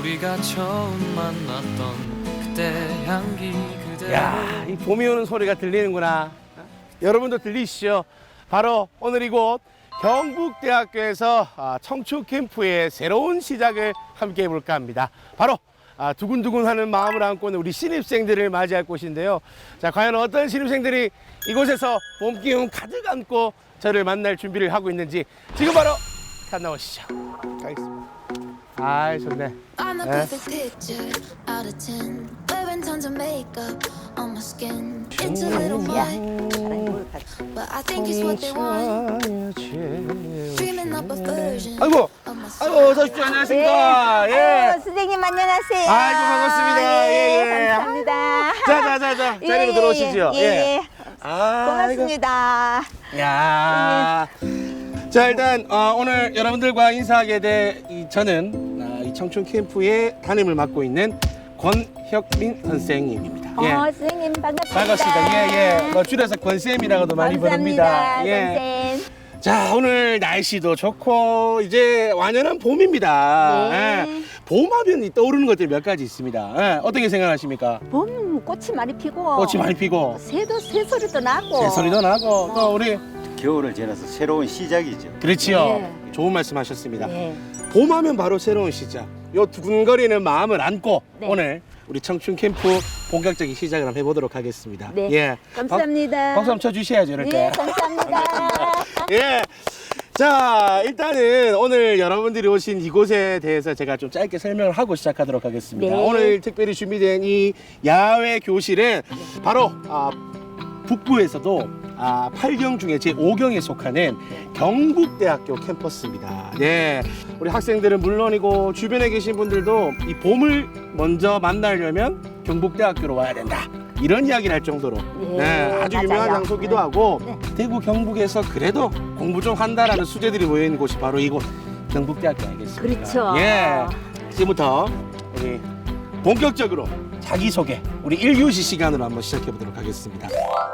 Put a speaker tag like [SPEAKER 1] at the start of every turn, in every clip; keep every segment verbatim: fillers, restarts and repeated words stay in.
[SPEAKER 1] 우리가 처음 만났던 그때 향기 그대로.
[SPEAKER 2] 야, 이 봄이 오는 소리가 들리는구나. 여러분도 들리시죠? 바로 오늘 이곳 경북대학교에서 아, 청춘 캠프의 새로운 시작을 함께 해볼까 합니다. 바로 아, 두근두근하는 마음을 안고 있는 우리 신입생들을 맞이할 곳인데요. 자, 과연 어떤 신입생들이 이곳에서 봄 기운 가득 안고 저를 만날 준비를 하고 있는지 지금 바로 만나보시죠. 가겠습니다. 아이, 좋네.
[SPEAKER 3] I'm the
[SPEAKER 2] 네.
[SPEAKER 3] perfect picture out of ten. Wearing tons of makeup on my skin. Into little mud, but I think it's what they want. Dreaming up a version
[SPEAKER 2] 아이고,
[SPEAKER 3] of myself.
[SPEAKER 2] 아이고, 어서 오십시오. 안녕하십니까. 예.
[SPEAKER 4] 아유, 선생님 안녕하세요.
[SPEAKER 2] 아이고, 반갑습니다. 예, 예.
[SPEAKER 4] 감사합니다.
[SPEAKER 2] 자, 자, 자, 자. 자리로
[SPEAKER 4] 예,
[SPEAKER 2] 들어오시죠.
[SPEAKER 4] 예, 예.
[SPEAKER 2] 아,
[SPEAKER 4] 고맙습니다.
[SPEAKER 2] 아이고. 야. 자, 일단 어, 오늘 여러분들과 인사하게 될 이, 저는 어, 이 청춘 캠프의 담임을 맡고 있는 권혁민 선생님입니다. 예.
[SPEAKER 4] 어, 선생님 반갑습니다.
[SPEAKER 2] 반갑습니다. 예, 예. 뭐 줄여서 권쌤이라고도 많이 부릅니다.
[SPEAKER 4] 감사합니다.
[SPEAKER 2] 예.
[SPEAKER 4] 선생.
[SPEAKER 2] 자, 오늘 날씨도 좋고 이제 완연한 봄입니다.
[SPEAKER 4] 네.
[SPEAKER 2] 예. 봄하면 떠오르는 것들이 몇 가지 있습니다. 예. 어떻게 생각하십니까?
[SPEAKER 4] 봄 꽃이 많이 피고
[SPEAKER 2] 꽃이 많이 피고
[SPEAKER 4] 새도 새소리도 나고
[SPEAKER 2] 새소리도 나고 또 우리
[SPEAKER 5] 겨울을 지나서 새로운 시작이죠.
[SPEAKER 2] 그렇지요.
[SPEAKER 4] 네.
[SPEAKER 2] 좋은 말씀하셨습니다.
[SPEAKER 4] 네.
[SPEAKER 2] 봄하면 바로 새로운 시작. 요 두근거리는 마음을 안고
[SPEAKER 4] 네.
[SPEAKER 2] 오늘 우리 청춘 캠프 본격적인 시작을 한번 해보도록 하겠습니다.
[SPEAKER 4] 네.
[SPEAKER 2] 예.
[SPEAKER 4] 감사합니다.
[SPEAKER 2] 박, 박수 한번 쳐주셔야죠, 이럴 때.
[SPEAKER 4] 네, 감사합니다.
[SPEAKER 2] 예. 자, 일단은 오늘 여러분들이 오신 이곳에 대해서 제가 좀 짧게 설명을 하고 시작하도록 하겠습니다.
[SPEAKER 4] 네.
[SPEAKER 2] 오늘 특별히 준비된 이 야외 교실은 바로 아, 북부에서도 아, 팔 경 중에 제오 경에 속하는 경북대학교 캠퍼스입니다. 예. 우리 학생들은 물론이고 주변에 계신 분들도 이 봄을 먼저 만나려면 경북대학교로 와야 된다. 이런 이야기를 할 정도로
[SPEAKER 4] 예,
[SPEAKER 2] 네, 아주 유명한
[SPEAKER 4] 맞아요.
[SPEAKER 2] 장소기도
[SPEAKER 4] 네.
[SPEAKER 2] 하고
[SPEAKER 4] 네.
[SPEAKER 2] 대구 경북에서 그래도 공부 좀 한다라는 수재들이 모여 있는 곳이 바로 이곳 경북대학교 아니겠습니까?
[SPEAKER 4] 그렇죠.
[SPEAKER 2] 예. 지금부터 우리 본격적으로 자기소개 우리 일 교시 시간으로 한번 시작해 보도록 하겠습니다.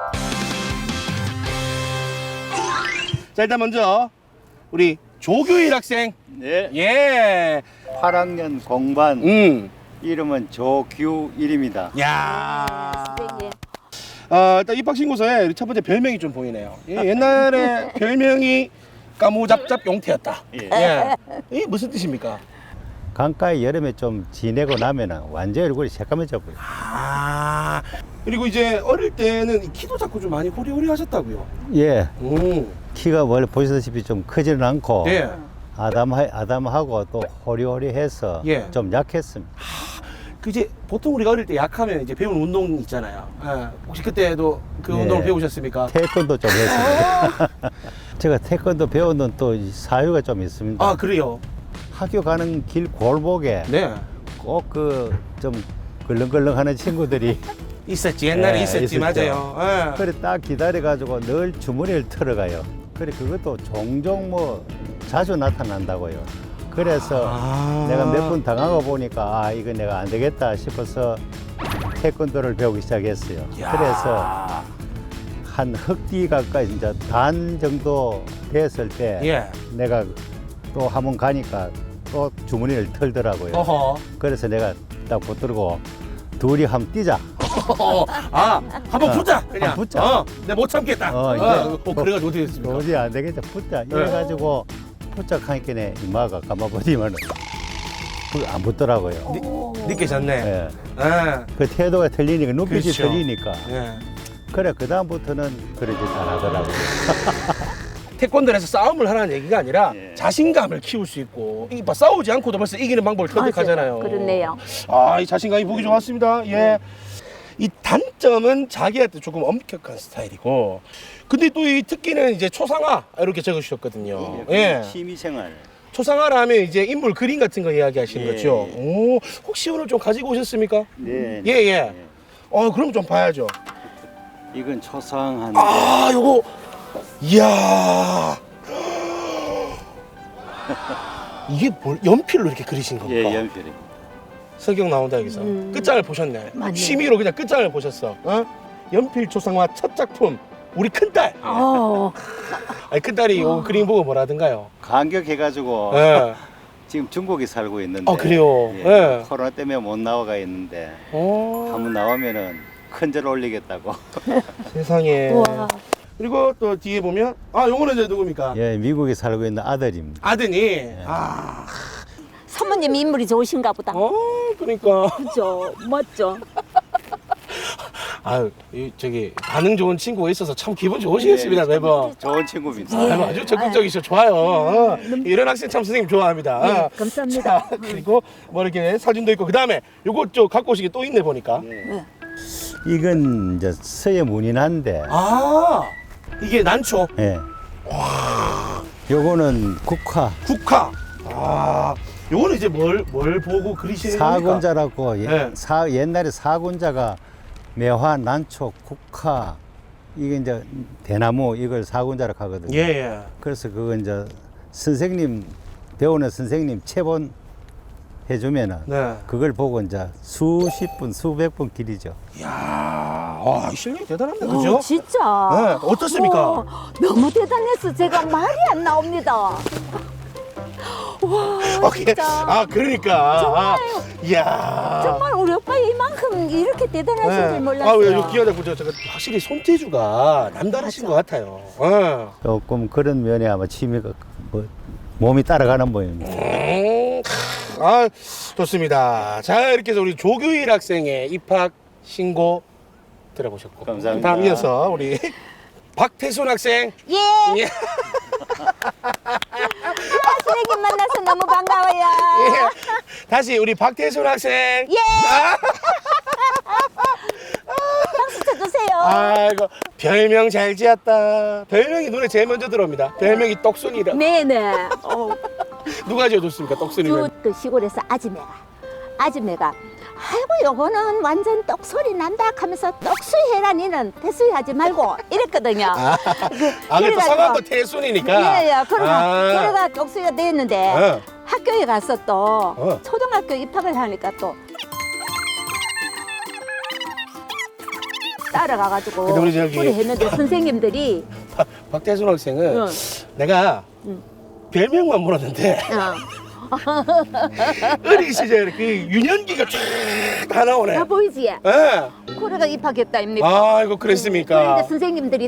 [SPEAKER 2] 자, 일단 먼저 우리 조규일 학생.
[SPEAKER 5] 네.
[SPEAKER 2] 예.
[SPEAKER 5] 팔 학년 공반
[SPEAKER 2] 음.
[SPEAKER 5] 이름은 조규일입니다.
[SPEAKER 2] 야.
[SPEAKER 4] 선생님.
[SPEAKER 2] 어, 일단 입학 신고서에 첫 번째 별명이 좀 보이네요. 예, 옛날에 별명이 까무잡잡 용태였다.
[SPEAKER 5] 예.
[SPEAKER 2] 예. 이게 무슨 뜻입니까?
[SPEAKER 6] 강가에 여름에 좀 지내고 나면은 완전 얼굴이 새까매져 버려.
[SPEAKER 2] 아. 그리고 이제 어릴 때는 이 키도 자꾸 좀 많이 호리호리 하셨다고요.
[SPEAKER 6] 예,
[SPEAKER 2] 오.
[SPEAKER 6] 키가 원래 보시다시피 좀 크지는 않고
[SPEAKER 2] 예.
[SPEAKER 6] 아담 아담하고 또 호리호리해서
[SPEAKER 2] 예.
[SPEAKER 6] 좀 약했습니다.
[SPEAKER 2] 그 이제 보통 우리가 어릴 때 약하면 이제 배운 운동 있잖아요. 예. 혹시 그때도 그
[SPEAKER 6] 예.
[SPEAKER 2] 운동을 배우셨습니까?
[SPEAKER 6] 태권도 좀 했습니다. 제가 태권도 배우는 또 사유가 좀 있습니다.
[SPEAKER 2] 아, 그래요?
[SPEAKER 6] 학교 가는 길 골목에
[SPEAKER 2] 네.
[SPEAKER 6] 꼭 그 좀 걸렁걸렁하는 친구들이
[SPEAKER 2] 있었지. 옛날에
[SPEAKER 6] 예,
[SPEAKER 2] 있었지.
[SPEAKER 6] 있었죠.
[SPEAKER 2] 맞아요. 예.
[SPEAKER 6] 그래 딱 기다려가지고 늘 주머니를 털어가요. 그래 그것도 종종 뭐 자주 나타난다고요. 그래서
[SPEAKER 2] 아.
[SPEAKER 6] 내가 몇 번 당하고 보니까 아 이거 내가 안 되겠다 싶어서 태권도를 배우기 시작했어요.
[SPEAKER 2] 야.
[SPEAKER 6] 그래서 한 흑띠 가까이 이제 단 정도 됐을 때
[SPEAKER 2] 예.
[SPEAKER 6] 내가 또 한 번 가니까 또 주머니를 털더라고요.
[SPEAKER 2] 어허.
[SPEAKER 6] 그래서 내가 딱 붙들고 둘이 한번 뛰자.
[SPEAKER 2] 아, 한번 붙자. 그냥.
[SPEAKER 6] 한번 붙자.
[SPEAKER 2] 어, 내가 못 참겠다.
[SPEAKER 6] 어,
[SPEAKER 2] 어,
[SPEAKER 6] 이제
[SPEAKER 2] 어, 그래가지고 어떻게 됐습니까?
[SPEAKER 6] 도저히 안 되겠다. 붙자.
[SPEAKER 2] 네.
[SPEAKER 6] 이래가지고 부착하니까 이마가 감아버리면 안 붙더라고요.
[SPEAKER 2] 늦게 졌네.
[SPEAKER 6] 예.
[SPEAKER 2] 예.
[SPEAKER 6] 그 태도가 틀리니까 눈빛이
[SPEAKER 2] 그렇죠.
[SPEAKER 6] 틀리니까
[SPEAKER 2] 예.
[SPEAKER 6] 그래 그 다음부터는 그렇게 잘하더라고요.
[SPEAKER 2] 태권도에서 싸움을 하라는 얘기가 아니라
[SPEAKER 5] 예.
[SPEAKER 2] 자신감을 키울 수 있고 이봐 싸우지 않고도 벌써 이기는 방법을 터득하잖아요.
[SPEAKER 4] 맞아요. 그렇네요.
[SPEAKER 2] 아, 이 자신감이 보기 좋았습니다. 예. 이 단점은 자기한테 조금 엄격한 스타일이고, 근데 또 이 특기는 이제 초상화 이렇게 적으셨거든요. 예.
[SPEAKER 5] 취미생활.
[SPEAKER 2] 초상화라 하면 이제 인물 그림 같은 거 이야기하시는
[SPEAKER 5] 예,
[SPEAKER 2] 거죠.
[SPEAKER 5] 예.
[SPEAKER 2] 오, 혹시 오늘 좀 가지고 오셨습니까?
[SPEAKER 5] 네.
[SPEAKER 2] 예, 예. 어, 그럼 좀 봐야죠.
[SPEAKER 5] 이건 초상한데
[SPEAKER 2] 아, 요거, 이야. 이게 뭘, 연필로 이렇게 그리신 겁니까?
[SPEAKER 5] 예, 연필이.
[SPEAKER 2] 성경 나온다 여기서.
[SPEAKER 4] 음.
[SPEAKER 2] 끝장을 보셨네.
[SPEAKER 4] 맞네.
[SPEAKER 2] 취미로 그냥 끝장을 보셨어. 어? 연필 초상화 첫 작품. 우리 큰딸.
[SPEAKER 4] 어,
[SPEAKER 2] 아니, 큰딸이 요 그림 보고 뭐라든가요?
[SPEAKER 5] 감격해가지고
[SPEAKER 2] 예.
[SPEAKER 5] 지금 중국에 살고 있는데.
[SPEAKER 2] 아, 그래요?
[SPEAKER 5] 예,
[SPEAKER 2] 예.
[SPEAKER 5] 코로나 때문에 못 나와가 있는데
[SPEAKER 2] 어,
[SPEAKER 5] 한번 나오면은 큰절 올리겠다고.
[SPEAKER 2] 세상에.
[SPEAKER 4] 우와.
[SPEAKER 2] 그리고 또 뒤에 보면 아, 요거는 이제 누굽니까?
[SPEAKER 6] 예, 미국에 살고 있는 아들입니다.
[SPEAKER 2] 아드니. 아,
[SPEAKER 4] 사모님 인물이 좋으신가 보다.
[SPEAKER 2] 어, 그러니까.
[SPEAKER 4] 그죠? 멋져.
[SPEAKER 2] 아유, 이 저기 반응 좋은 친구가 있어서 참 기분 좋으시겠습니다,
[SPEAKER 5] 네,
[SPEAKER 2] 매번.
[SPEAKER 5] 좋은 친구입니다.
[SPEAKER 2] 아유, 아주 적극적이셔 좋아요. 어, 이런 학생 참 선생님 좋아합니다.
[SPEAKER 4] 네,
[SPEAKER 2] 어.
[SPEAKER 4] 감사합니다.
[SPEAKER 2] 자, 그리고 뭐 이렇게 사진도 있고 그다음에 요거 저 갖고 오신 게 또 있네 보니까.
[SPEAKER 5] 예.
[SPEAKER 6] 이건 이제 서예 문인한데,
[SPEAKER 2] 아, 이게 난초,
[SPEAKER 6] 예. 요거는 국화
[SPEAKER 2] 국화. 아, 요거는 이제 뭘 뭘 보고 그리시는 겁니까?
[SPEAKER 6] 사군자라고 예,
[SPEAKER 2] 네.
[SPEAKER 6] 사, 옛날에 사군자가 매화, 난초, 국화 이게 이제 대나무 이걸 사군자라고 하거든요.
[SPEAKER 2] 예, 예.
[SPEAKER 6] 그래서 그거 이제 선생님 배우는 선생님 체본 해주면은
[SPEAKER 2] 네.
[SPEAKER 6] 그걸 보고 이제 수십 분, 수백 분 길이죠.
[SPEAKER 2] 이야, 와, 실력이 대단합니다, 그죠?
[SPEAKER 4] 어, 진짜.
[SPEAKER 2] 네, 어떻습니까?
[SPEAKER 4] 와, 너무 대단해서 제가 말이 안 나옵니다. 와,
[SPEAKER 2] 오케이.
[SPEAKER 4] 진짜.
[SPEAKER 2] 아, 그러니까.
[SPEAKER 4] 정말.
[SPEAKER 2] 아, 이야.
[SPEAKER 4] 정말 우리 오빠 이만큼 이렇게 대단하신 줄
[SPEAKER 2] 네.
[SPEAKER 4] 몰랐어요.
[SPEAKER 2] 아, 왜, 요 귀하다 보죠. 제가 확실히 손재주가 남다르신 것 같아요. 어.
[SPEAKER 6] 조금 그런 면에 아마 취미가 뭐 몸이 따라가는 모양입니다.
[SPEAKER 2] 음, 아, 좋습니다. 자, 이렇게 해서 우리 조규일 학생의 입학 신고 들어보셨고.
[SPEAKER 5] 감사합니다.
[SPEAKER 2] 다음 이어서 우리 박태순 학생.
[SPEAKER 4] 예.
[SPEAKER 2] 예.
[SPEAKER 4] 선생님 만나서 너무 반가워요.
[SPEAKER 2] 예. 다시 우리 박태순 학생.
[SPEAKER 4] 예. 박수 쳐주세요.
[SPEAKER 2] 아이고, 별명 잘 지었다. 별명이 눈에 제일 먼저 들어옵니다. 별명이 떡순이라.
[SPEAKER 4] 네네. 어,
[SPEAKER 2] 누가 지어줬습니까, 떡순이는?
[SPEAKER 4] 그, 그 시골에서 아지매가 아지매가 아이고 요거는 완전 떡소리 난다 하면서 떡수해라 니는 태수하지 말고 이랬거든요.
[SPEAKER 2] 아,
[SPEAKER 4] 그,
[SPEAKER 2] 아 그래도
[SPEAKER 4] 그래가지고
[SPEAKER 2] 성함도 태순이니까.
[SPEAKER 4] 예예. 그러가
[SPEAKER 2] 아.
[SPEAKER 4] 그래가 떡수가 됐는데
[SPEAKER 2] 어.
[SPEAKER 4] 학교에 가서 또
[SPEAKER 2] 어.
[SPEAKER 4] 초등학교 입학을 하니까 또 따라가가지고
[SPEAKER 2] 근데 우리 저기-
[SPEAKER 4] 소리 했는데 선생님들이
[SPEAKER 2] 박- 박태순 학생은
[SPEAKER 4] 응.
[SPEAKER 2] 내가
[SPEAKER 4] 응.
[SPEAKER 2] 별명만 물었는데
[SPEAKER 4] 어,
[SPEAKER 2] 어린 시절에 그 유년기가 쫙 다 나오네.
[SPEAKER 4] 다 보이지?
[SPEAKER 2] 예.
[SPEAKER 4] 그래가 입학했다 입니까?
[SPEAKER 2] 아이고 그랬습니까?
[SPEAKER 4] 그런데 선생님들이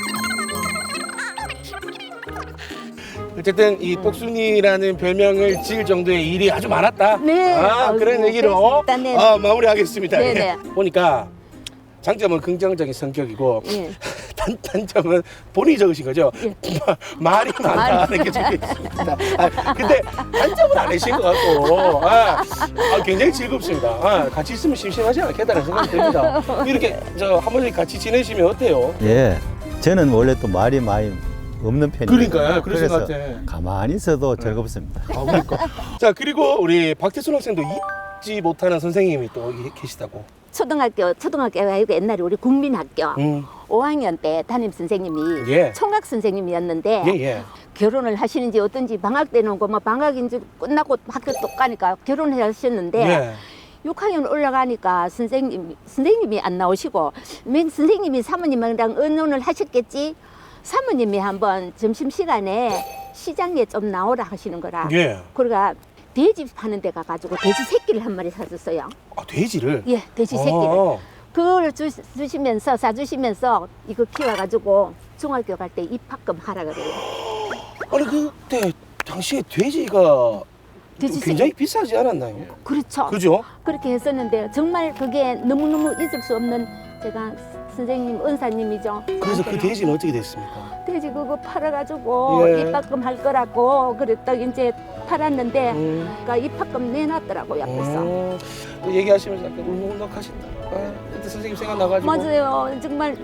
[SPEAKER 2] 어쨌든 이 똑순이라는 별명을 지을 정도의 일이 아주 많았다.
[SPEAKER 4] 네.
[SPEAKER 2] 아,
[SPEAKER 4] 아이고,
[SPEAKER 2] 그런 얘기로
[SPEAKER 4] 그랬습니다. 네.
[SPEAKER 2] 아, 마무리하겠습니다.
[SPEAKER 4] 네,
[SPEAKER 2] 예.
[SPEAKER 4] 네.
[SPEAKER 2] 보니까 장점은 긍정적인 성격이고
[SPEAKER 4] 예.
[SPEAKER 2] 단, 단점은 본인이 적으신 거죠?
[SPEAKER 4] 예.
[SPEAKER 2] 마- 말이 많다는 게 적혀 있습니다. 아, 근데 단점은 안 내신 것 같고 아, 아, 굉장히 즐겁습니다. 아, 같이 있으면 심심하지 않겠다는 생각이 듭니다. 이렇게 저 한 번씩 같이 지내시면 어때요?
[SPEAKER 6] 예, 저는 원래 또 말이 많이 없는 편이에요.
[SPEAKER 2] 그러니까요. 그러신 것
[SPEAKER 6] 그래서
[SPEAKER 2] 같아.
[SPEAKER 6] 가만히 있어도 즐겁습니다.
[SPEAKER 2] 아, 그러니까. 자, 그리고 우리 박태순 학생도 잊지 못하는 선생님이 또 계시다고.
[SPEAKER 4] 초등학교 초등학교가 아니고 옛날에 우리 국민학교
[SPEAKER 2] 음.
[SPEAKER 4] 오 학년 때 담임 선생님이
[SPEAKER 2] 예.
[SPEAKER 4] 총각 선생님이었는데
[SPEAKER 2] 예, 예.
[SPEAKER 4] 결혼을 하시는지 어떤지 방학 때는 뭐 방학인지 끝나고 학교 또 가니까 결혼을 하셨는데
[SPEAKER 2] 예.
[SPEAKER 4] 육 학년 올라가니까 선생님 선생님이 안 나오시고 맨 선생님이 사모님이랑 의논을 하셨겠지. 사모님이 한번 점심 시간에 시장에 좀 나오라 하시는 거라.
[SPEAKER 2] 예.
[SPEAKER 4] 그러니까 돼지 파는 데 가가지고 돼지 새끼를 한 마리 사줬어요.
[SPEAKER 2] 아, 돼지를?
[SPEAKER 4] 예, 돼지 새끼를.
[SPEAKER 2] 어.
[SPEAKER 4] 그걸 주, 주시면서 사주시면서 이거 키워가지고 중학교 갈 때 입학금 하라 그래요.
[SPEAKER 2] 아니, 그때 당시에 돼지가
[SPEAKER 4] 돼지
[SPEAKER 2] 굉장히
[SPEAKER 4] 새끼.
[SPEAKER 2] 비싸지 않았나요?
[SPEAKER 4] 그렇죠.
[SPEAKER 2] 그죠?
[SPEAKER 4] 그렇게 했었는데 정말 그게 너무너무 잊을 수 없는 제가 선생님 은사님이죠.
[SPEAKER 2] 그래서 그 돼지는 어떻게 됐습니까?
[SPEAKER 4] 돼지 그거 팔아가지고
[SPEAKER 2] 예.
[SPEAKER 4] 입학금 할 거라고 그랬다 이제 팔았는데
[SPEAKER 2] 음.
[SPEAKER 4] 그러니까 입학금 내놨더라고요. 앞에서.
[SPEAKER 2] 음. 또 얘기하시면서 약간 울먹울먹하신다. 아, 그때 선생님 생각나가지고.
[SPEAKER 4] 맞아요. 정말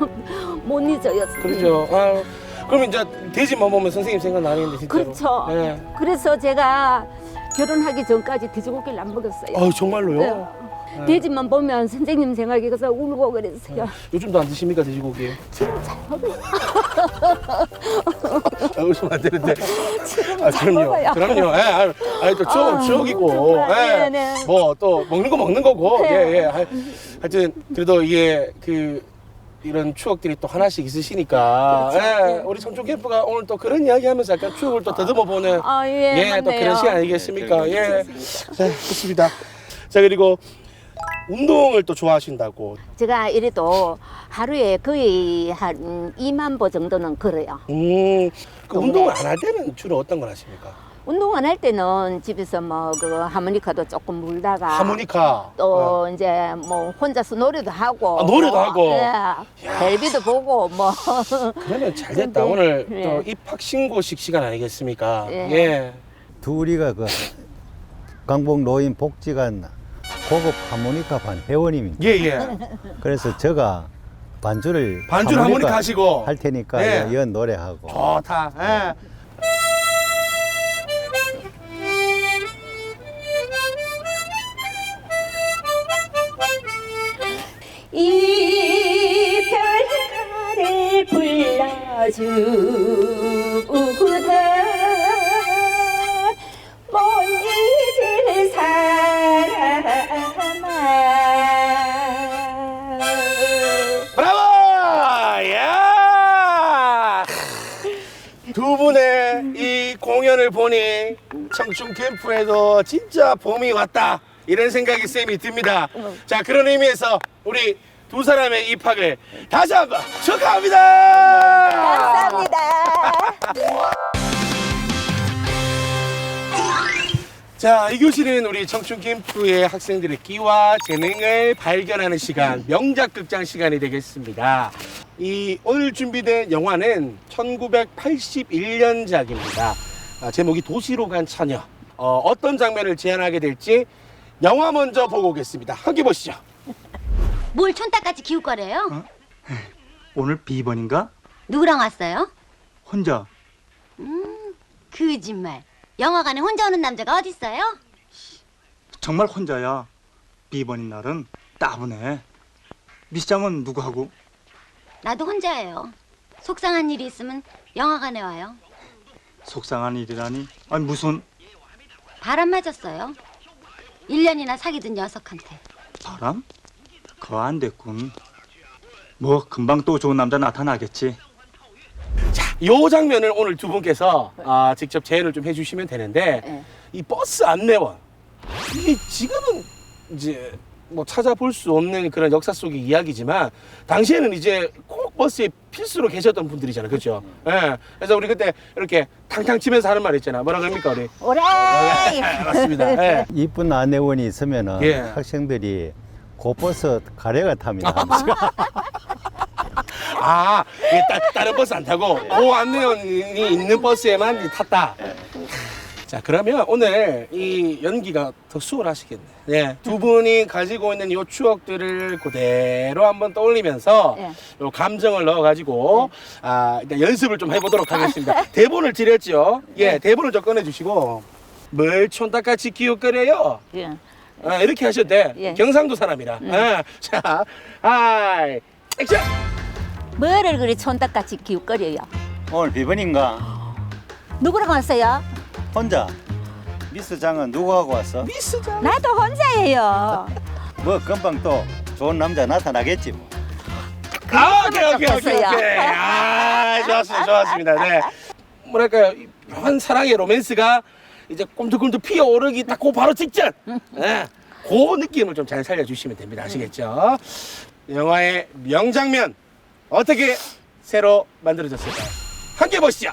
[SPEAKER 4] 못 잊어요.
[SPEAKER 2] 그렇죠. 아, 그럼 이제 돼지만 보면 선생님 생각나는데 진짜로.
[SPEAKER 4] 그렇죠.
[SPEAKER 2] 네.
[SPEAKER 4] 그래서 제가 결혼하기 전까지 돼지고기를 안 먹었어요.
[SPEAKER 2] 아, 정말로요?
[SPEAKER 4] 네. 돼지만 보면 선생님 생각이 가서 울고 그랬어요.
[SPEAKER 2] 요즘도 안 드십니까 돼지고기?
[SPEAKER 4] 지금 잘 먹어요.
[SPEAKER 2] 아, 웃으면 안 되는데.
[SPEAKER 4] 지금
[SPEAKER 2] 아,
[SPEAKER 4] 잘
[SPEAKER 2] 그럼요.
[SPEAKER 4] 먹어요.
[SPEAKER 2] 그럼요. 예, 아, 아니, 또 추억은
[SPEAKER 4] 아,
[SPEAKER 2] 추억이고.
[SPEAKER 4] 정말.
[SPEAKER 2] 예.
[SPEAKER 4] 네네.
[SPEAKER 2] 뭐 또 먹는 거 먹는 거고.
[SPEAKER 4] 네.
[SPEAKER 2] 예, 예. 하- 하여튼 그래도 이게 그 이런 추억들이 또 하나씩 있으시니까 예, 우리 청춘 캠프가 오늘 또 그런 이야기하면서 약간 추억을 또 더듬어 보는
[SPEAKER 4] 아, 예,
[SPEAKER 2] 예, 또
[SPEAKER 4] 맞네요.
[SPEAKER 2] 그런 시간 아니겠습니까?
[SPEAKER 5] 네,
[SPEAKER 2] 예, 자, 좋습니다. 자, 그리고 운동을 또 좋아하신다고.
[SPEAKER 4] 제가 이래도 하루에 거의 한 이만 보 정도는 걸어요.
[SPEAKER 2] 음, 그
[SPEAKER 4] 동네.
[SPEAKER 2] 운동을 안 할 때는 주로 어떤 걸 하십니까?
[SPEAKER 4] 운동 안 할 때는 집에서 뭐 그 하모니카도 조금 불다가
[SPEAKER 2] 하모니카.
[SPEAKER 4] 또 이제 뭐 혼자서 노래도 하고
[SPEAKER 2] 아, 노래도 하고.
[SPEAKER 4] 예, 텔레비도 보고 뭐
[SPEAKER 2] 그러면 잘 됐다.
[SPEAKER 4] 근데,
[SPEAKER 2] 오늘
[SPEAKER 4] 예.
[SPEAKER 2] 또 입학 신고식 시간 아니겠습니까?
[SPEAKER 4] 예.
[SPEAKER 2] 예.
[SPEAKER 6] 둘이가 그 강북 노인 복지관 고급 하모니카 반 회원입니다.
[SPEAKER 2] 예, 예.
[SPEAKER 6] 그래서 제가 반주를
[SPEAKER 2] 반주를 하모니카 하시고.
[SPEAKER 6] 할 테니까
[SPEAKER 2] 네.
[SPEAKER 6] 연 노래하고.
[SPEAKER 2] 좋다. 예.
[SPEAKER 4] 이별가를 불러주고다 못 잊을 사람아
[SPEAKER 2] 브라보! 야! 두 분의 이 공연을 보니 청춘 캠프에도 진짜 봄이 왔다. 이런 생각이 쌤이 듭니다. 자, 그런 의미에서 우리 두 사람의 입학을 다시 한번 축하합니다.
[SPEAKER 4] 감사합니다.
[SPEAKER 2] 자, 이 교실은 우리 청춘 캠프의 학생들의 끼와 재능을 발견하는 시간, 명작 극장 시간이 되겠습니다. 이 오늘 준비된 영화는 천구백팔십일 년작입니다. 아, 제목이 도시로 간 처녀. 어, 어떤 장면을 제안하게 될지 영화 먼저 보고 오겠습니다. 함께 보시죠.
[SPEAKER 7] 뭘 촌딱같이 기울 거래요?
[SPEAKER 8] 오늘 비번인가?
[SPEAKER 7] 누구랑 왔어요?
[SPEAKER 8] 혼자.
[SPEAKER 7] 거짓말. 영화관에 혼자 오는 남자가 어딨어요?
[SPEAKER 8] 정말 혼자야. 비번인 날은 따분해. 미시장은 누구하고?
[SPEAKER 7] 나도 혼자예요. 속상한 일이 있으면 영화관에 와요.
[SPEAKER 8] 속상한 일이라니. 아니 무슨
[SPEAKER 7] 바람 맞았어요. 일 년이나 사귀던 녀석한테.
[SPEAKER 8] 바람? 그거 안 됐군. 뭐 금방 또 좋은 남자 나타나겠지.
[SPEAKER 2] 자, 요 장면을 오늘 두 분께서 아, 직접 재현을 좀 해주시면 되는데
[SPEAKER 4] 네.
[SPEAKER 2] 이 버스 안내원 이게 지금은 이제 뭐 찾아볼 수 없는 그런 역사 속의 이야기지만 당시에는 이제 꼭 버스에 필수로 계셨던 분들이잖아요, 그렇죠? 예. 그래서 우리 그때 이렇게 탕탕 치면서 하는 말 있잖아. 뭐라 그럽니까 우리?
[SPEAKER 4] 오래.
[SPEAKER 2] 예, 맞습니다. 예.
[SPEAKER 6] 이쁜 안내원이 있으면은
[SPEAKER 2] 예.
[SPEAKER 6] 학생들이 고버스 가래가 탑니다.
[SPEAKER 2] 아, 이게 따, 다른 버스 안 타고 그 안내원이 있는 버스에만 이제 탔다. 자, 그러면 오늘 이 연기가 더 수월하시겠네. 네, 두 분이 가지고 있는 이 추억들을 그대로 한번 떠올리면서
[SPEAKER 4] 네.
[SPEAKER 2] 요 감정을 넣어가지고 아, 일단 연습을 좀 해보도록 하겠습니다. 대본을 드렸죠. 예, 대본을 좀 꺼내주시고 뭘 촌딱같이 기웃거려요.
[SPEAKER 4] 예.
[SPEAKER 2] 아, 이렇게 하셔도 돼.
[SPEAKER 4] 예.
[SPEAKER 2] 경상도 사람이라. 아, 자, 하이, 액션!
[SPEAKER 4] 뭐를 그리 촌딱같이 기웃거려요?
[SPEAKER 5] 오늘 비번인가?
[SPEAKER 4] 누구랑 왔어요?
[SPEAKER 5] 혼자. 미스장은 누구하고 왔어?
[SPEAKER 2] 미스장.
[SPEAKER 4] 나도 혼자예요.
[SPEAKER 5] 뭐 금방 또 좋은 남자 나타나겠지 뭐.
[SPEAKER 2] 아, 오케이, 오케이, 오케이,
[SPEAKER 4] 좀
[SPEAKER 2] 오케이. 아, 좋았습니다, 좋았습니다. 네. 뭐랄까요, 이 묘한 사랑의 로맨스가 이제 꿈틀꿈틀 피어오르기 딱 그 바로 직전. 네. 그 느낌을 좀 잘 살려주시면 됩니다. 아시겠죠? 영화의 명장면 어떻게 새로 만들어졌을까요? 함께 보시죠.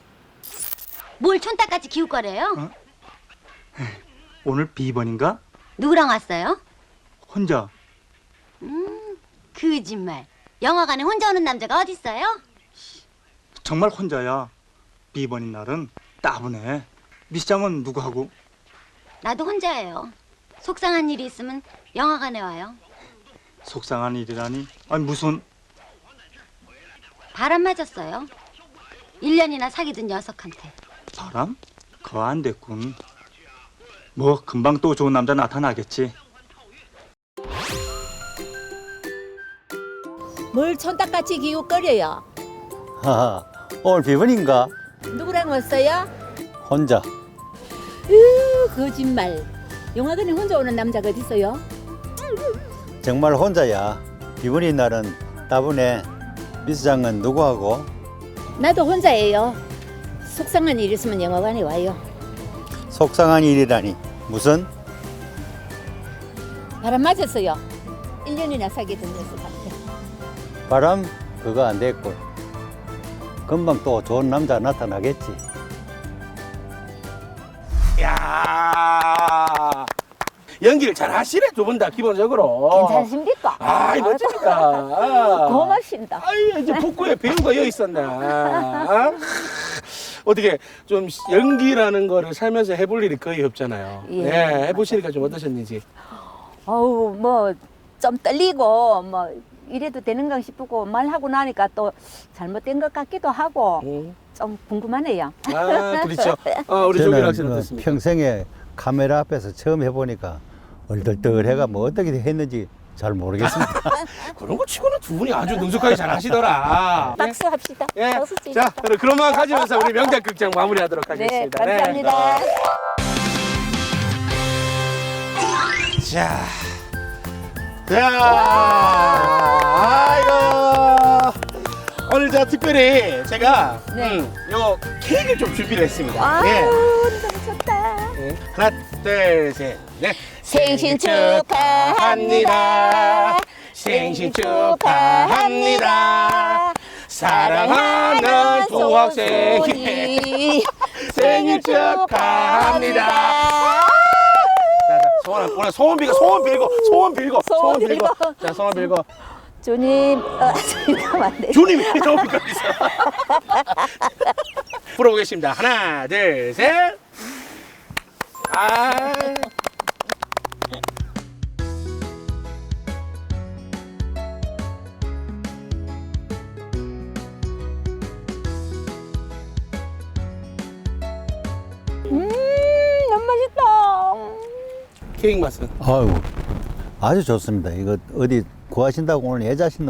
[SPEAKER 7] 뭘 촌딱같이 기울 거래요?
[SPEAKER 8] 오늘 비번인가?
[SPEAKER 7] 누구랑 왔어요?
[SPEAKER 8] 혼자.
[SPEAKER 7] 거짓말. 영화관에 혼자 오는 남자가 어딨어요?
[SPEAKER 8] 정말 혼자야. 비번인 날은 따분해. 미시장은 누구하고?
[SPEAKER 7] 나도 혼자예요. 속상한 일이 있으면 영화관에 와요.
[SPEAKER 8] 속상한 일이라니. 아니 무슨
[SPEAKER 7] 바람 맞았어요. 일 년이나 사귀던 녀석한테.
[SPEAKER 8] 바람? 그거 안 됐군. 뭐 금방 또 좋은 남자 나타나겠지.
[SPEAKER 4] 뭘 촌딱같이 기웃거려요?
[SPEAKER 6] 하하, 오늘 비번인가?
[SPEAKER 4] 누구랑 왔어요?
[SPEAKER 6] 혼자.
[SPEAKER 4] 으, 거짓말. 영화관에 혼자 오는 남자가 어디 있어요?
[SPEAKER 6] 정말 혼자야. 비번인 날은 따분해. 미수장은 누구하고?
[SPEAKER 4] 나도 혼자예요. 속상한 일 있으면 영화관에 와요.
[SPEAKER 6] 속상한 일이라니. 무슨?
[SPEAKER 4] 바람 맞았어요. 일 년이나 사귀던 녀석한테.
[SPEAKER 6] 바람? 그거 안 됐고. 금방 또 좋은 남자 나타나겠지.
[SPEAKER 2] 야 연기를 잘 하시네, 두 분 다 기본적으로.
[SPEAKER 4] 괜찮으십니까?
[SPEAKER 2] 아, 멋집니다.
[SPEAKER 4] 고맙습니다.
[SPEAKER 2] 아이, 이제 북구에 배우가 여기 있었네. 아? 어떻게 좀 연기라는 거를 살면서 해볼 일이 거의 없잖아요.
[SPEAKER 4] 예.
[SPEAKER 2] 네, 해보시니까 좀 어떠셨는지.
[SPEAKER 4] 어우, 뭐 좀 떨리고 뭐 이래도 되는가 싶고 말하고 나니까 또 잘못된 것 같기도 하고
[SPEAKER 2] 음.
[SPEAKER 4] 좀 궁금하네요.
[SPEAKER 2] 아, 그렇죠. 어, 우리 조규 학생은
[SPEAKER 6] 어,
[SPEAKER 2] 어떻습니까?
[SPEAKER 6] 평생에 카메라 앞에서 처음 해보니까 얼떨떨해가 뭐 어떻게 했는지 잘 모르겠습니다.
[SPEAKER 2] 그런 거 치고는 두 분이 아주 능숙하게 잘 하시더라.
[SPEAKER 4] 박수 합시다.
[SPEAKER 2] 예.
[SPEAKER 4] 박수
[SPEAKER 2] 자,
[SPEAKER 4] 치자.
[SPEAKER 2] 그럼 그런 마음 가지면서 우리 명작 극장 마무리하도록
[SPEAKER 4] 네,
[SPEAKER 2] 하겠습니다.
[SPEAKER 4] 감사합니다.
[SPEAKER 2] 자, 자, 아이고. 오늘 저 특별히 제가
[SPEAKER 4] 네.
[SPEAKER 2] 음, 요 케이크를 좀 준비를 했습니다.
[SPEAKER 4] 아우,
[SPEAKER 2] 예.
[SPEAKER 4] 너무 좋다.
[SPEAKER 2] 네. 하나, 둘, 셋, 넷.
[SPEAKER 4] 생신 축하합니다.
[SPEAKER 2] 생신 축하합니다. 사랑하는 동학생이 생일 축하합니다. 자, 자, 소원, 오늘 소원 빌고, 소원 빌고, 소원 빌고,
[SPEAKER 4] 소원 빌고.
[SPEAKER 2] 자, 소원 빌고.
[SPEAKER 4] 주님, 어, 주님 안 돼.
[SPEAKER 2] 주님이 너무 있어. 불어보겠습니다. 하나, 둘, 셋. 아.
[SPEAKER 4] 음, 너무 맛있다.
[SPEAKER 2] 케이크 맛은.
[SPEAKER 6] 아유, 아주 좋습니다. 이거 어디 구하신다고 오늘 예자신 놈.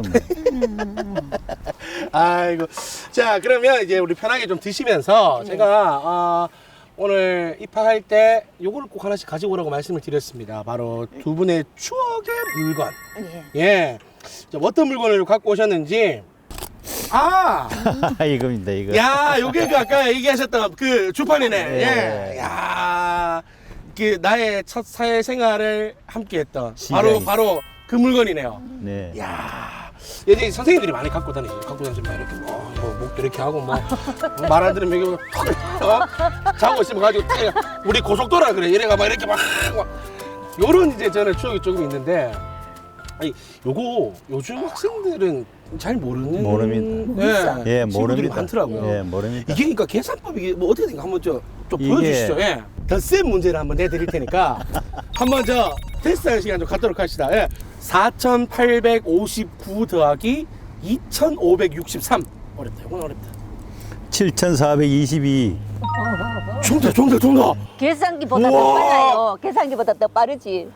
[SPEAKER 2] 아이고. 자, 그러면 이제 우리 편하게 좀 드시면서 제가 어, 오늘 입학할 때 요거를 꼭 하나씩 가지고 오라고 말씀을 드렸습니다. 바로 두 분의 추억의 물건.
[SPEAKER 4] 예.
[SPEAKER 2] 예. 자, 어떤 물건을 갖고 오셨는지. 아!
[SPEAKER 6] 이겁니다, 이거.
[SPEAKER 2] 야, 요게 그 아까 얘기하셨던 그 주판이네.
[SPEAKER 6] 예.
[SPEAKER 2] 예. 야. 그 나의 첫 사회 생활을 함께 했던 바로
[SPEAKER 6] 시장이.
[SPEAKER 2] 바로 그 물건이네요.
[SPEAKER 6] 네.
[SPEAKER 2] 야, 예전에 선생님들이 많이 갖고 다니죠. 갖고 다니시면 이렇게 뭐, 뭐 목도 이렇게 하고 뭐 말 안 들으면 여기 턱 어? 자고 있으면 가지고 탁, 우리 고속도로라 그래. 이래가 막 이렇게 막, 막 요런 이제 저는 추억이 조금 있는데, 아니 요거 요즘 학생들은 잘 모르는
[SPEAKER 6] 모릅니다.
[SPEAKER 2] 예,
[SPEAKER 6] 예,
[SPEAKER 2] 친구들이
[SPEAKER 6] 모릅니다.
[SPEAKER 2] 많더라고요.
[SPEAKER 6] 예, 모릅니다.
[SPEAKER 2] 이게 그러니까 계산법이 이게 뭐 어떻게 된가 한번 좀, 좀
[SPEAKER 6] 이게-
[SPEAKER 2] 보여주시죠. 예. 더 센 문제를 한번 내드릴 테니까 한번 저 테스트하는 시간 좀 갖도록 합시다. 예. 사천팔백오십구 더하기 이천오백육십삼. 어렵다. 이건 어렵다.
[SPEAKER 6] 칠천사백이십이.
[SPEAKER 2] 정답, 정답, 정답.
[SPEAKER 4] 계산기보다 더
[SPEAKER 2] 우와.
[SPEAKER 4] 빨라요. 계산기보다 더 빠르지.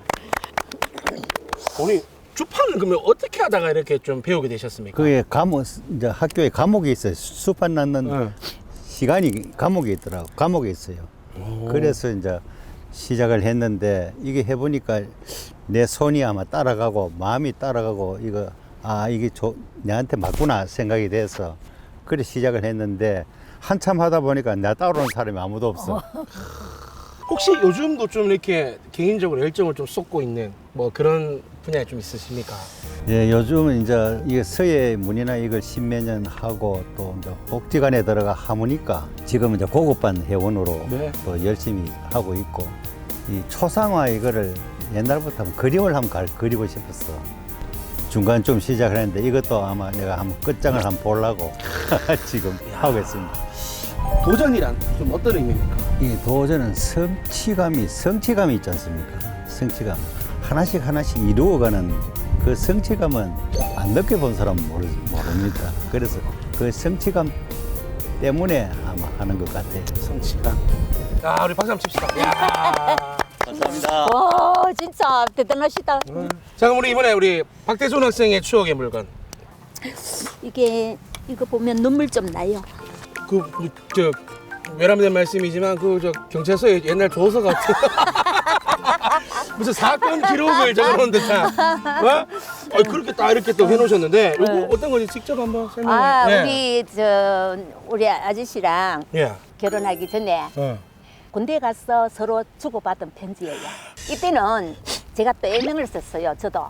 [SPEAKER 2] 아니, 주판을 그러면 어떻게 하다가 이렇게 좀 배우게 되셨습니까?
[SPEAKER 6] 그게 과목, 이제 학교에 과목이 있어요. 수판 낳는
[SPEAKER 2] 네.
[SPEAKER 6] 시간이 과목이 있더라고. 과목이 있어요. 그래서 이제 시작을 했는데 이게 해보니까 내 손이 아마 따라가고 마음이 따라가고 이거 아 이게 조, 내한테 맞구나 생각이 돼서 그래 시작을 했는데 한참 하다 보니까 나 따라오는 사람이 아무도 없어.
[SPEAKER 2] 혹시 요즘도 좀 이렇게 개인적으로 열정을 좀 쏟고 있는 뭐 그런 분야에 좀 있으십니까?
[SPEAKER 6] 예, 요즘은 이제 이게 서예 문이나 이걸 십몇 년 하고 또 이제 복지관에 들어가 하모니까 지금 이제 고급반 회원으로
[SPEAKER 2] 네.
[SPEAKER 6] 또 열심히 하고 있고 이 초상화 이거를 옛날부터 한번 그림을 한번 갈- 그리고 싶었어. 중간 좀 시작을 했는데 이것도 아마 내가 한번 끝장을 한번 보려고 지금 하고 있습니다.
[SPEAKER 2] 도전이란 좀 어떤 의미입니까?
[SPEAKER 6] 이 도전은 성취감이 성취감이 있지 않습니까? 성취감 하나씩 하나씩 이루어가는 그 성취감은 안 느껴본 사람은 모르, 모릅니다. 그래서 그 성취감 때문에 아마 하는 것 같아요.
[SPEAKER 2] 성취감. 야, 우리 박수 한번 칩시다. 야.
[SPEAKER 5] 감사합니다.
[SPEAKER 4] 와, 진짜 대단하시다.
[SPEAKER 2] 자, 그럼 우리 이번에 우리 박대순 학생의 추억의 물건.
[SPEAKER 4] 이게 이거 보면 눈물 좀 나요.
[SPEAKER 2] 그, 저, 외람된 말씀이지만, 그, 저, 경찰서에 옛날 조서 같은. 무슨 사건 기록을 적어놓은 듯한. 어? 아, 그렇게 딱 이렇게 또 해놓으셨는데 이거
[SPEAKER 4] 네.
[SPEAKER 2] 어떤 건지 직접 한번 설명해.
[SPEAKER 4] 아,
[SPEAKER 2] 예.
[SPEAKER 4] 우리 저 우리 아저씨랑
[SPEAKER 2] 예.
[SPEAKER 4] 결혼하기 전에
[SPEAKER 2] 어.
[SPEAKER 4] 군대 가서 서로 주고받은 편지예요. 이때는 제가 또 애명을 썼어요. 저도.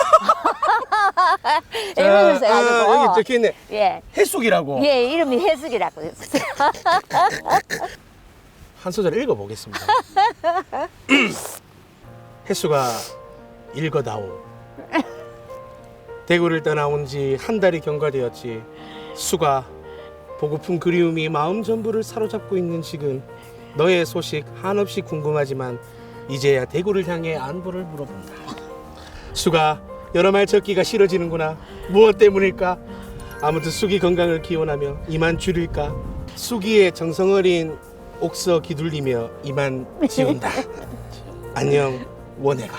[SPEAKER 4] 애명을
[SPEAKER 2] 아,
[SPEAKER 4] 써가지고.
[SPEAKER 2] 여기 적혀있네.
[SPEAKER 4] 예.
[SPEAKER 2] 해숙이라고.
[SPEAKER 4] 예, 이름이 해숙이라고 했어요.
[SPEAKER 2] 한 소절 읽어보겠습니다. 해수가 읽어다오. 대구를 떠나온 지 한 달이 경과되었지. 수가 보고픈 그리움이 마음 전부를 사로잡고 있는 지금 너의 소식 한없이 궁금하지만 이제야 대구를 향해 안부를 물어본다. 수가 여러 말 적기가 싫어지는구나. 무엇 때문일까? 아무튼 수기 건강을 기원하며 이만 줄일까? 수기의 정성어린 옥서 기둘리며 이만 지운다. 안녕 원혜가.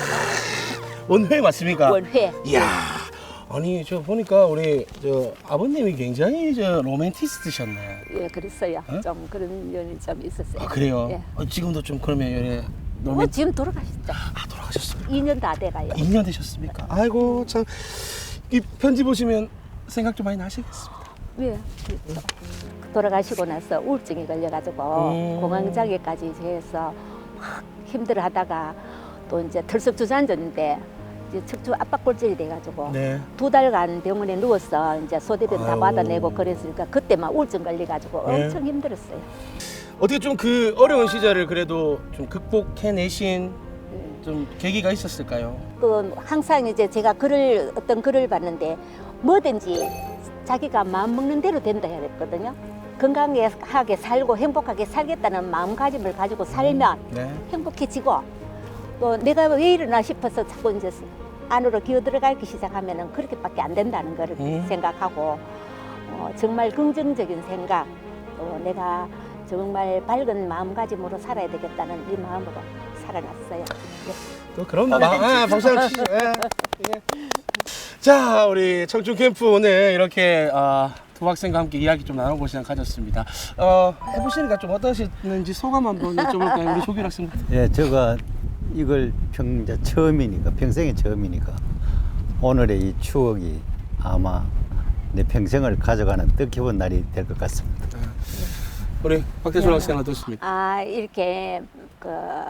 [SPEAKER 2] 원회 맞습니까?
[SPEAKER 4] 원회.
[SPEAKER 2] 이야, 아니 저 보니까 우리 저 아버님이 굉장히 저 로맨티스트셨네.
[SPEAKER 4] 예, 그랬어요.
[SPEAKER 2] 어?
[SPEAKER 4] 좀 그런 면이 좀 있었어요.
[SPEAKER 2] 아 그래요?
[SPEAKER 4] 예.
[SPEAKER 2] 어, 지금도 좀 그러면 예,
[SPEAKER 4] 어,
[SPEAKER 2] 로맨.
[SPEAKER 4] 지금 돌아가셨죠.
[SPEAKER 2] 아 돌아가셨습니까?
[SPEAKER 4] 이 년 다 돼가요.
[SPEAKER 2] 이 년 되셨습니까? 아이고 참 이 편지 보시면 생각 좀 많이 나시겠습니다.
[SPEAKER 4] 예, 그렇죠. 돌아가시고 나서 우울증이 걸려가지고
[SPEAKER 2] 음.
[SPEAKER 4] 공황장애까지 해서 막 힘들어하다가 또 이제 털썩 주저앉았는데 이제 척추 압박골절이 돼가지고
[SPEAKER 2] 네.
[SPEAKER 4] 두 달간 병원에 누워서 이제 소대변 다
[SPEAKER 2] 아유.
[SPEAKER 4] 받아내고 그랬으니까 그때 막 우울증 걸려가지고
[SPEAKER 2] 네.
[SPEAKER 4] 엄청 힘들었어요.
[SPEAKER 2] 어떻게 좀 그 어려운 시절을 그래도 좀 극복해내신 좀 계기가 있었을까요?
[SPEAKER 4] 그 항상 이제 제가 글을 어떤 글을 봤는데 뭐든지 자기가 마음 먹는 대로 된다 해야 됐거든요. 건강하게 살고 행복하게 살겠다는 마음가짐을 가지고 살면
[SPEAKER 2] 네.
[SPEAKER 4] 행복해지고 또 내가 왜 이러나 싶어서 자꾸 이제 안으로 기어 들어가기 시작하면은 그렇게밖에 안 된다는 거를
[SPEAKER 2] 음.
[SPEAKER 4] 생각하고 어, 정말 긍정적인 생각 또 내가 정말 밝은 마음가짐으로 살아야 되겠다는 이 마음으로 살아났어요. 네.
[SPEAKER 2] 또 그런 마, 아, 박수 한번 치시죠. 예. 예. 자, 우리 청춘 캠프 오늘 이렇게 어, 두 학생과 함께 이야기 좀 나눠볼 시간 가졌습니다. 어, 해보시니까 좀 어떠셨는지 소감 한번 여쭤볼까요, 우리 조규 학생?
[SPEAKER 6] 예, 제가 이걸 평 이제 처음이니까 평생의 처음이니까 오늘의 이 추억이 아마 내 평생을 가져가는 뜻깊은 날이 될 것 같습니다.
[SPEAKER 2] 우리 박태준 학생 어떻습니까?
[SPEAKER 4] 아 이렇게 그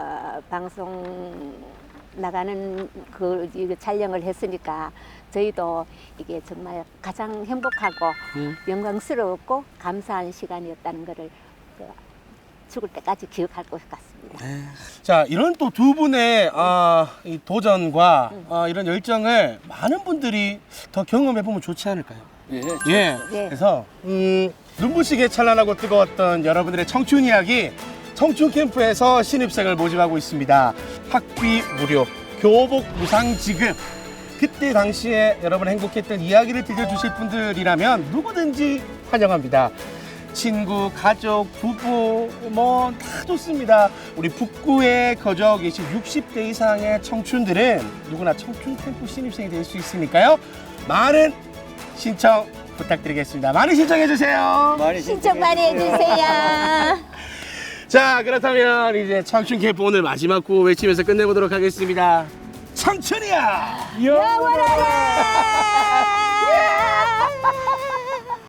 [SPEAKER 4] 방송 나가는 그 이거 촬영을 했으니까 저희도 이게 정말 가장 행복하고
[SPEAKER 2] 음.
[SPEAKER 4] 영광스럽고 감사한 시간이었다는 것을 그 죽을 때까지 기억할 것 같습니다.
[SPEAKER 2] 자, 이런 또 두 분의 아, 이 도전과 아, 이런 열정을 많은 분들이 더 경험해 보면 좋지 않을까요?
[SPEAKER 1] 예.
[SPEAKER 2] 예.
[SPEAKER 4] 예.
[SPEAKER 2] 그래서 음, 눈부시게 찬란하고 뜨거웠던 여러분들의 청춘 이야기 청춘 캠프에서 신입생을 모집하고 있습니다. 학비 무료, 교복 무상 지급. 그때 당시에 여러분 행복했던 이야기를 들려주실 분들이라면 누구든지 환영합니다. 친구, 가족, 부부 뭐 다 좋습니다. 우리 북구에 거주하고 계신 육십 대 이상의 청춘들은 누구나 청춘 캠프 신입생이 될 수 있으니까요. 많은 신청 부탁드리겠습니다. 많이 신청해 주세요.
[SPEAKER 6] 많이
[SPEAKER 4] 신청 많이 해주세요.
[SPEAKER 2] 자, 그렇다면 이제 청춘 캠프 오늘 마지막 구호 외치면서 끝내보도록 하겠습니다. 청춘이야!
[SPEAKER 4] 영원하라!